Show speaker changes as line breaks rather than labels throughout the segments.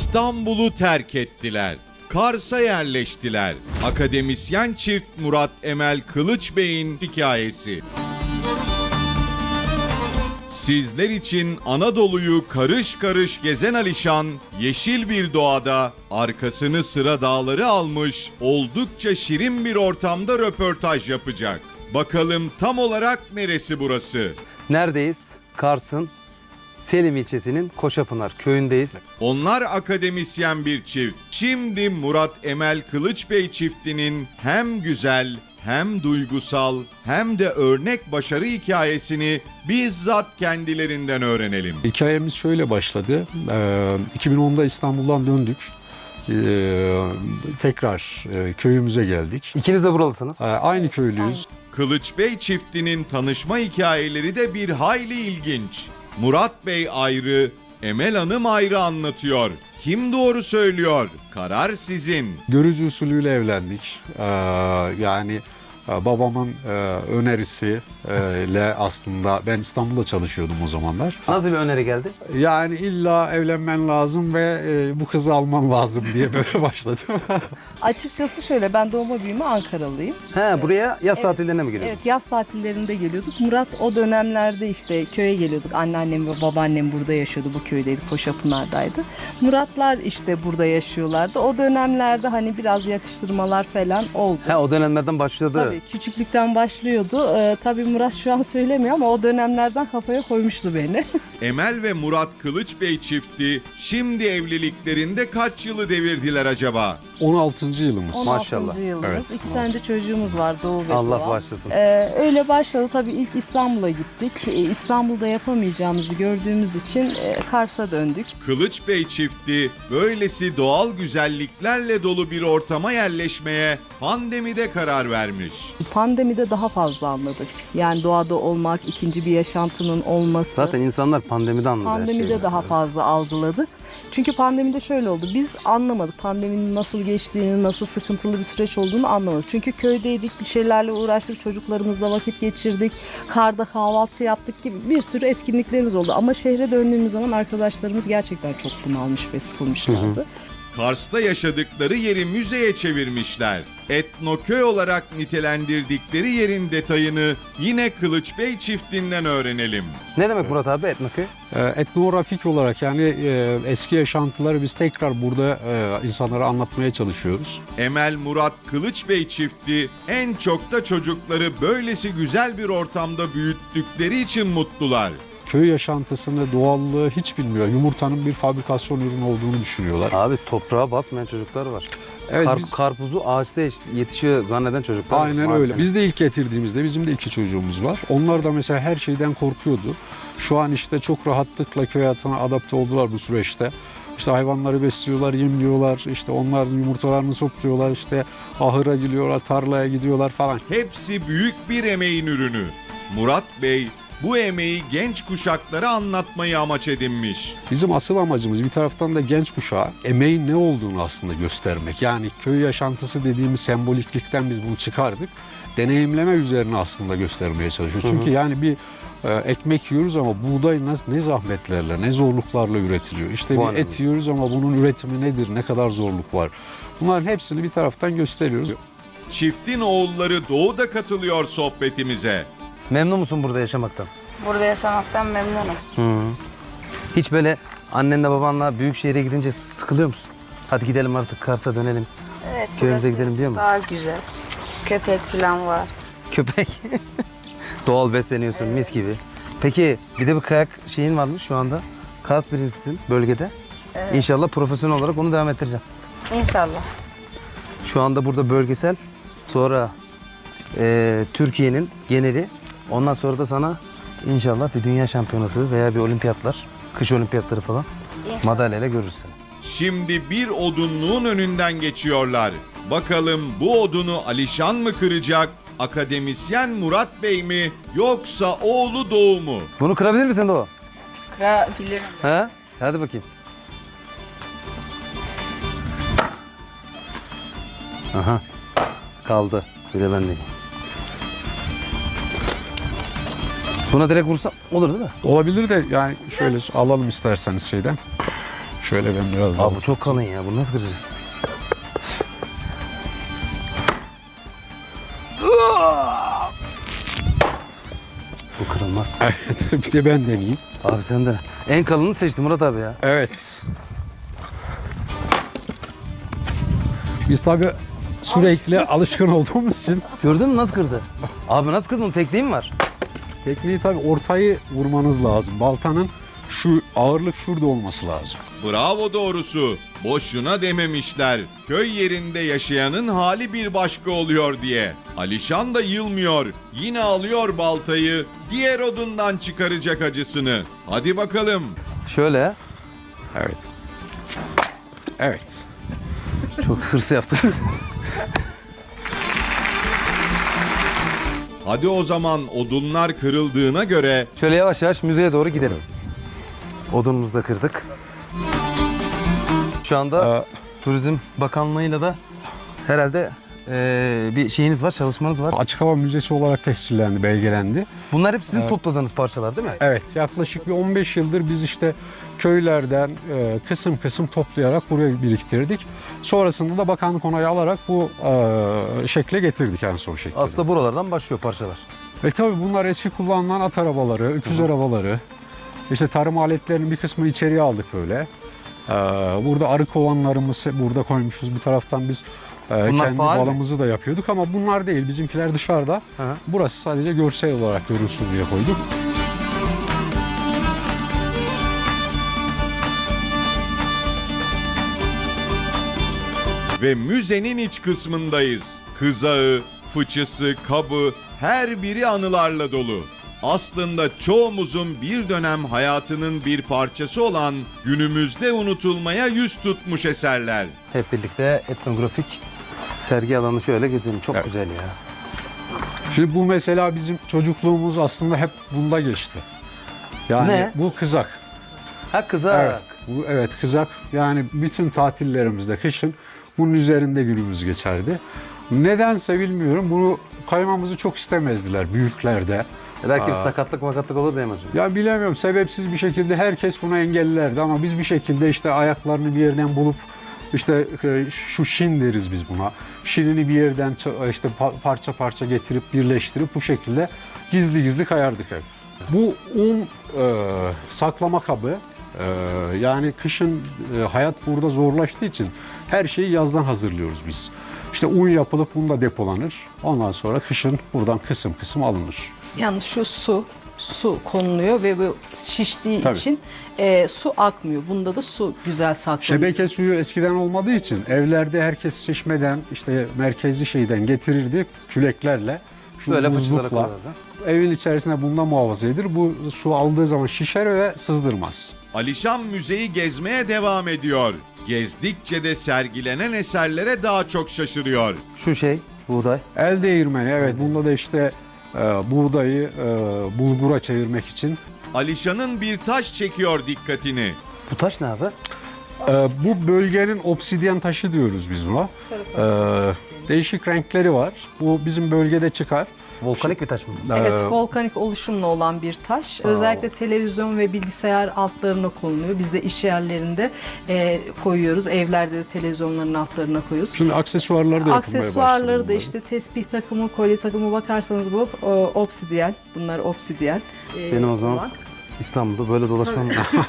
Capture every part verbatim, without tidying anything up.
İstanbul'u terk ettiler. Kars'a yerleştiler. Akademisyen çift Murat Emel Kılıç Bey'in hikayesi. Sizler için Anadolu'yu karış karış gezen Alişan, yeşil bir doğada arkasını sıra dağları almış, oldukça şirin bir ortamda röportaj yapacak. Bakalım tam olarak neresi burası?
Neredeyiz? Kars'ın Selim ilçesinin Koşapınar köyündeyiz.
Onlar akademisyen bir çift. Şimdi Murat Emel Kılıç Bey çiftinin hem güzel hem duygusal hem de örnek başarı hikayesini bizzat kendilerinden öğrenelim.
Hikayemiz şöyle başladı. Ee, iki bin onda İstanbul'dan döndük. Ee, tekrar e, köyümüze geldik.
İkiniz de buralısınız.
Ee, aynı köylüyüz.
Kılıç Bey çiftinin tanışma hikayeleri de bir hayli ilginç. Murat Bey ayrı, Emel Hanım ayrı anlatıyor. Kim doğru söylüyor? Karar sizin.
Görücü usulüyle evlendik. Ee, yani e, babamın e, önerisiyle aslında ben İstanbul'da çalışıyordum o zamanlar.
Nasıl bir öneri geldi?
Yani illa evlenmen lazım ve e, bu kızı alman lazım diye böyle başladım.
Açıkçası şöyle, ben doğma büyüme Ankaralıyım.
He, buraya yaz
Evet.
tatillerine mi geliyorsunuz?
Evet, yaz tatillerinde geliyorduk. Murat o dönemlerde işte köye geliyorduk. Anneannem ve babaannem burada yaşıyordu. Bu köydeydi, Koşapınar'daydı. Muratlar işte burada yaşıyorlardı. O dönemlerde hani biraz yakıştırmalar falan oldu.
He, o dönemlerden başladı.
Tabii küçüklükten başlıyordu. Ee, tabii Murat şu an söylemiyor ama o dönemlerden kafaya koymuştu beni.
Emel ve Murat Kılıç Bey çifti şimdi evliliklerinde kaç yılı devirdiler acaba?
on altıncı yılımız.
on
Maşallah.
altıncı yılımız.
Evet,
İki tane de çocuğumuz var, Doğu ve
Allah
Doğa.
bağışlasın.
Ee, öyle başladı. Tabii ilk İstanbul'a gittik. Ee, İstanbul'da yapamayacağımızı gördüğümüz için e, Kars'a döndük.
Kılıç Bey çifti böylesi doğal güzelliklerle dolu bir ortama yerleşmeye pandemide karar vermiş.
Pandemide daha fazla anladık. Yani doğada olmak, ikinci bir yaşantının olması.
Zaten insanlar pandemide anladı her şeyi.
Pandemide daha fazla algıladık. Çünkü pandemide şöyle oldu. Biz anlamadık. Pandeminin nasıl geçtiğini, nasıl sıkıntılı bir süreç olduğunu anlamadık. Çünkü köydeydik, bir şeylerle uğraştık, çocuklarımızla vakit geçirdik, karda kahvaltı yaptık gibi bir sürü etkinliklerimiz oldu. Ama şehre döndüğümüz zaman arkadaşlarımız gerçekten çok bunalmış ve sıkılmışlardı.
Kars'ta yaşadıkları yeri müzeye çevirmişler. Etnoköy olarak nitelendirdikleri yerin detayını yine Kılıç Bey çiftinden öğrenelim.
Ne demek Murat abi etnoköy?
Ee, etnografik olarak yani e, eski yaşantıları biz tekrar burada e, insanlara anlatmaya çalışıyoruz.
Emel Murat Kılıç Bey çifti en çok da çocukları böylesi güzel bir ortamda büyüttükleri için mutlular.
Köy yaşantısını, doğallığı hiç bilmiyor. Yumurtanın bir fabrikasyon ürünü olduğunu düşünüyorlar.
Abi toprağa basmayan çocuklar var.
Evet,
Kar-
biz-
Karpuzu ağaçta yetişiyor zanneden çocuklar var.
Aynen
Maalesef.
öyle. Biz de ilk getirdiğimizde bizim de iki çocuğumuz var. Onlar da mesela her şeyden korkuyordu. Şu an işte çok rahatlıkla köy hayatına adapte oldular bu süreçte. İşte hayvanları besliyorlar, yemliyorlar, işte onların yumurtalarını topluyorlar, işte ahıra gidiyorlar, tarlaya gidiyorlar falan.
Hepsi büyük bir emeğin ürünü. Murat Bey bu emeği genç kuşaklara anlatmayı amaç edinmiş.
Bizim asıl amacımız bir taraftan da genç kuşağa emeğin ne olduğunu aslında göstermek. Yani köy yaşantısı dediğimiz semboliklikten biz bunu çıkardık. Deneyimleme üzerine aslında göstermeye çalışıyoruz. Çünkü yani bir e, ekmek yiyoruz ama buğday ne, ne zahmetlerle, ne zorluklarla üretiliyor. İşte
Bu
bir
önemli.
et yiyoruz ama bunun üretimi nedir, ne kadar zorluk var. Bunların hepsini bir taraftan gösteriyoruz.
Çiftin oğulları Doğu da katılıyor sohbetimize.
Memnun musun burada yaşamaktan?
Burada yaşamaktan memnunum.
Hı. Hiç böyle annenle babanla büyük şehre gidince sıkılıyor musun? Hadi gidelim artık Kars'a dönelim.
Evet,
Köyümüze
burası
gidelim diyor mu?
Daha güzel. Köpek falan var.
Köpek. Doğal besleniyorsun mis gibi. Peki bir de bir kayak şeyin varmış şu anda. Kars birincisin bölgede.
Evet.
İnşallah profesyonel olarak onu devam ettireceğim.
İnşallah.
Şu anda burada bölgesel, sonra e, Türkiye'nin geneli, ondan sonra da sana inşallah bir dünya şampiyonası veya bir olimpiyatlar, kış olimpiyatları falan
İnşallah.
madalyayla görürsün.
Şimdi bir odunluğun önünden geçiyorlar. Bakalım bu odunu Alişan mı kıracak, akademisyen Murat Bey mi yoksa oğlu Doğu mu?
Bunu kırabilir misin Doğu?
Kırabilirim.
He? Hadi bakayım. Aha. Kaldı. Bir de ben de. Buna direkt vursam olur değil mi?
Olabilir de yani şöyle alalım isterseniz şeyden. Şöyle ben biraz daha...
Abi bu çok kalın ya. Bunu nasıl kıracağız? Bu kırılmaz.
Evet, bir de ben deneyeyim.
Abi sen de. En kalını seçtim Murat abi ya.
Evet. Biz tabii sürekli alışkın olduğumuz için
Gördün mü nasıl kırdı? Abi nasıl kırdın? Tekniği mi var?
tekniği tabii ortayı vurmanız lazım. Baltanın şu ağırlık şurada olması lazım.
Bravo doğrusu. Boşuna dememişler. Köy yerinde yaşayanın hali bir başka oluyor diye. Alişan da yılmıyor. Yine alıyor baltayı. Diğer odundan çıkaracak acısını. Hadi bakalım.
Şöyle.
Evet. Evet.
Çok hırs yaptım.
Hadi o zaman odunlar kırıldığına göre
Şöyle yavaş yavaş müzeye doğru gidelim. Odunumuzu da kırdık. Şu anda
Ee,
Turizm Bakanlığı'yla da herhalde eee, bir şeyiniz var, çalışmanız var.
Açık hava müzesi olarak tescillendi, belgelendi.
Bunlar hep sizin topladığınız parçalar değil mi?
Evet, yaklaşık bir on beş yıldır biz işte köylerden e, kısım kısım toplayarak buraya biriktirdik. Sonrasında da bakanlık onayı alarak bu e, şekle getirdik en son şekilde.
Aslında buralardan başlıyor parçalar.
Ve tabii bunlar eski kullanılan at arabaları, öküz arabaları. İşte tarım aletlerinin bir kısmını içeriye aldık böyle. Ee, burada arı kovanlarımızı burada koymuşuz. Bir taraftan biz e,
Bunlar
kendi
faal mi?
balımızı da yapıyorduk ama bunlar değil. Bizimkiler dışarıda.
Hı hı.
Burası sadece görsel olarak görülsün diye koyduk.
ve müzenin iç kısmındayız. Kızağı, fıçısı, kabı her biri anılarla dolu. Aslında çoğumuzun bir dönem hayatının bir parçası olan günümüzde unutulmaya yüz tutmuş eserler.
Hep birlikte etnografik sergi alanı şöyle gezelim. Çok
Evet.
güzel ya.
Şimdi bu mesela bizim çocukluğumuz aslında hep bunda geçti. Yani
Ne?
bu kızak.
Ha kızak.
Evet, bu, evet kızak. Yani bütün tatillerimizde kışın bunun üzerinde günümüz geçerdi. Nedense bilmiyorum. Bunu kaymamızı çok istemezdiler büyüklerde.
E Belki bir sakatlık makatlık olur diye mi hocam?
Ya bilemiyorum, sebepsiz bir şekilde herkes buna engellerdi ama biz bir şekilde işte ayaklarını bir yerden bulup işte e, şu şin deriz biz buna. Şinini bir yerden ça- işte pa- parça parça getirip birleştirip bu şekilde gizli gizli kayardık hep. Bu un e, saklama kabı. e, yani kışın e, hayat burada zorlaştığı için her şeyi yazdan hazırlıyoruz biz. İşte un yapılıp un da depolanır. Ondan sonra kışın buradan kısım kısım alınır.
Yani şu su, su konuluyor ve bu şiştiği
Tabii.
için e, su akmıyor. Bunda da su güzel saklanıyor.
Şebeke suyu eskiden olmadığı için evlerde herkes çeşmeden işte merkezi şeyden getirirdi küleklerle. Şu
Böyle fıçılara
buzlukla
koyardı.
evin içerisinde bundan muhafaza edilir. Bu su aldığı zaman şişer ve sızdırmaz.
Alişan müzeyi gezmeye devam ediyor. Gezdikçe de sergilenen eserlere daha çok şaşırıyor.
Şu şey, buğday.
El değirmeni, evet, bunda da işte e, buğdayı e, bulgura çevirmek için.
Alişan'ın bir taş çekiyor dikkatini.
Bu taş ne abi?
E, bu bölgenin obsidyen taşı diyoruz biz buna. E, değişik renkleri var. Bu bizim bölgede çıkar.
Volkanik bir taş mı?
Evet,
Ee,
volkanik oluşumla olan bir taş. Özellikle televizyon ve bilgisayar altlarına konuluyor. Biz de iş yerlerinde e, koyuyoruz. Evlerde de televizyonların altlarına koyuyoruz.
Şimdi aksesuarları da yapılmaya
Aksesuarları
başladı
da
bunların.
işte tespih takımı, kolye takımı bakarsanız bu o, obsidyen. Bunlar obsidyen. E,
Benim o zaman
olan.
İstanbul'da böyle dolaşmam lazım.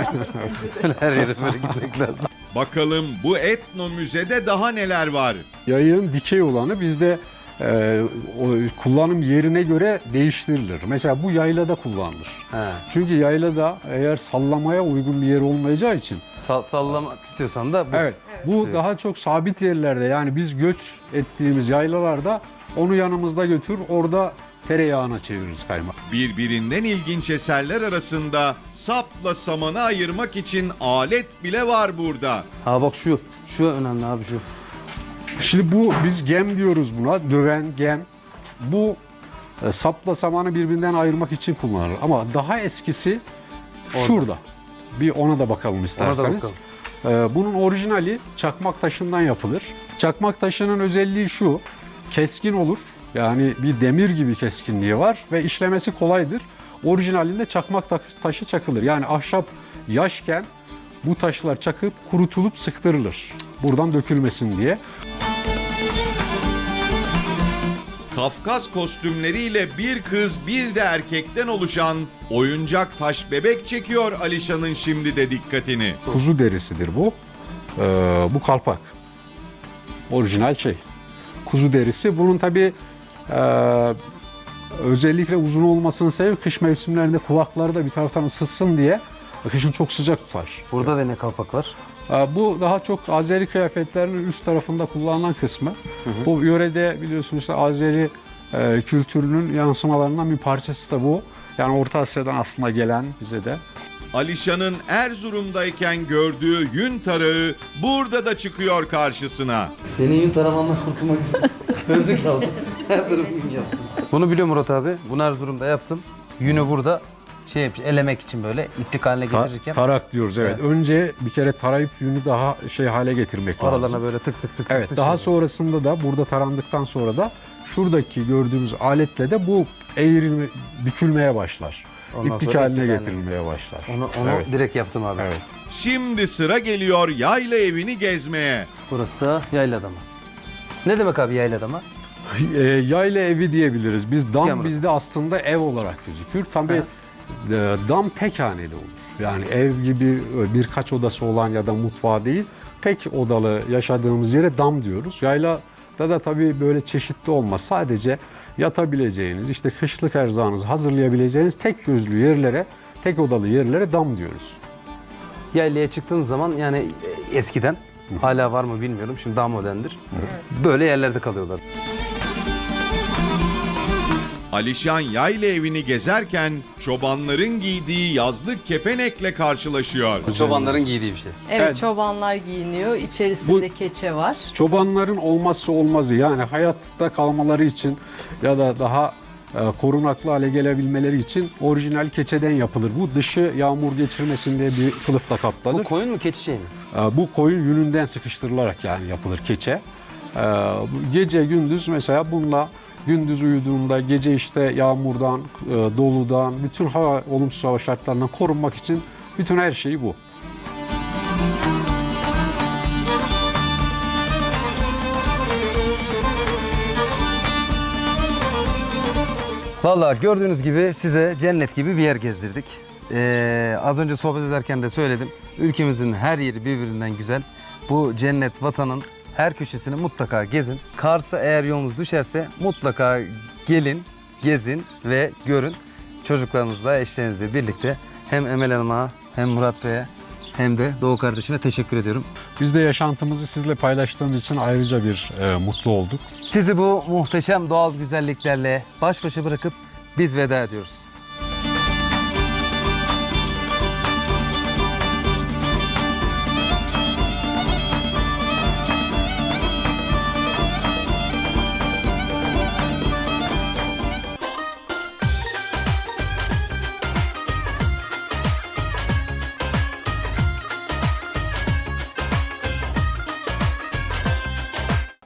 Böyle her yere böyle gitmek lazım.
Bakalım bu etno müzede daha neler var?
Yayın dikey olanı bizde e, o kullanım yerine göre değiştirilir. Mesela bu yaylada kullanılır.
He.
Çünkü yaylada eğer sallamaya uygun bir yer olmayacağı için,
Sa- sallamak istiyorsan da bu.
evet, bu
Evet.
daha çok sabit yerlerde, yani biz göç ettiğimiz yaylalarda onu yanımızda götür, orada tereyağına çeviririz kaymak.
Birbirinden ilginç eserler arasında sapla samanı ayırmak için alet bile var burada.
Ha bak şu. Şu önemli abi şu.
Şimdi bu biz gem diyoruz buna, döven gem. Bu e, sapla samanı birbirinden ayırmak için kullanılır. Ama daha eskisi
Orada.
şurada. Bir ona da bakalım
Ona da
isterseniz.
bakalım.
E, bunun orijinali çakmak taşından yapılır. Çakmak taşının özelliği şu: keskin olur. Yani bir demir gibi keskinliği var ve işlemesi kolaydır. Orijinalinde çakmak ta- taşı çakılır. Yani ahşap yaşken Bu taşlar çakıp kurutulup sıktırılır. Buradan dökülmesin diye.
Kafkas kostümleriyle bir kız bir de erkekten oluşan oyuncak taş bebek çekiyor Alişan'ın şimdi de dikkatini.
Kuzu derisidir bu. Ee, bu kalpak. Orijinal şey. Kuzu derisi. Bunun tabii e, özellikle uzun olmasının sebebi kış mevsimlerinde kulakları da bir taraftan ısıtsın diye kışın çok sıcak tutar.
Burada da ne kalpak var?
Ee, bu daha çok Azeri kıyafetlerinin üst tarafında kullanılan kısmı. Hı hı. Bu yörede biliyorsunuz işte Azeri e, kültürünün yansımalarından bir parçası da bu. Yani Orta Asya'dan aslında gelen bize de.
Alişan'ın Erzurum'dayken gördüğü yün tarağı burada da çıkıyor karşısına.
Senin yün taramandan kurtulmak için öldük kaldı. Her tarafı yün yaptım. Bunu biliyor Murat abi. Bunu Erzurum'da yaptım. Yünü burada şey yapmış, elemek için böyle iplik haline
Ta-
getirirken
tarak diyoruz evet.
Evet.
Önce bir kere tarayıp yünü daha şey hale getirmek lazım.
aralarına böyle tık tık tık
Evet,
tık
daha
şey.
sonrasında da burada tarandıktan sonra da şuradaki gördüğümüz aletle de bu eğrilme, bükülmeye başlar.
Ondan
İplik
sonra
haline
iplik haline.
getirilmeye başlar.
Onu, onu
Evet.
direkt yaptım abi.
Evet.
Şimdi sıra geliyor yayla evini gezmeye.
Burası da Yayladama. Ne demek abi Yayladama?
E, yayla evi diyebiliriz. Biz dam
Yamra.
bizde aslında ev olarak gözükür. Tabii e, dam tek haneli olur. Yani ev gibi birkaç odası olan ya da mutfağı değil, tek odalı yaşadığımız yere dam diyoruz. Yaylada da tabii böyle çeşitli olmaz. Sadece yatabileceğiniz, işte kışlık erzağınızı hazırlayabileceğiniz tek gözlü yerlere, tek odalı yerlere dam diyoruz.
Yaylaya çıktığın zaman yani eskiden hala var mı bilmiyorum. Şimdi daha moderndir. Böyle yerlerde kalıyorlar.
Alişan yayla evini gezerken çobanların giydiği yazlık kepenekle karşılaşıyor.
Çobanların giydiği bir şey.
Evet,
Evet.
çobanlar giyiniyor. İçerisinde keçe var.
Çobanların olmazsa olmazı, yani hayatta kalmaları için ya da daha e, korunaklı hale gelebilmeleri için orijinal keçeden yapılır. Bu dışı yağmur geçirmesin diye bir kılıfla
Bu
kaplanır.
koyun mu keçi şey mi?
E, bu koyun yününden sıkıştırılarak yani yapılır keçe. E, bu gece gündüz mesela bununla gündüz uyuduğunda gece işte yağmurdan, e, doludan, bütün hava olumsuz hava şartlarından korunmak için bütün her şeyi bu.
Vallahi gördüğünüz gibi size cennet gibi bir yer gezdirdik. Ee, az önce sohbet ederken de söyledim. Ülkemizin her yeri birbirinden güzel. Bu cennet vatanın her köşesini mutlaka gezin. Kars'a eğer yolunuz düşerse mutlaka gelin, gezin ve görün. Çocuklarınızla, eşlerinizle birlikte hem Emel Hanım'a hem Murat Bey'e hem de Doğu kardeşime teşekkür ediyorum.
Biz de yaşantımızı sizle paylaştığımız için ayrıca bir e, mutlu olduk.
Sizi bu muhteşem doğal güzelliklerle baş başa bırakıp biz veda ediyoruz.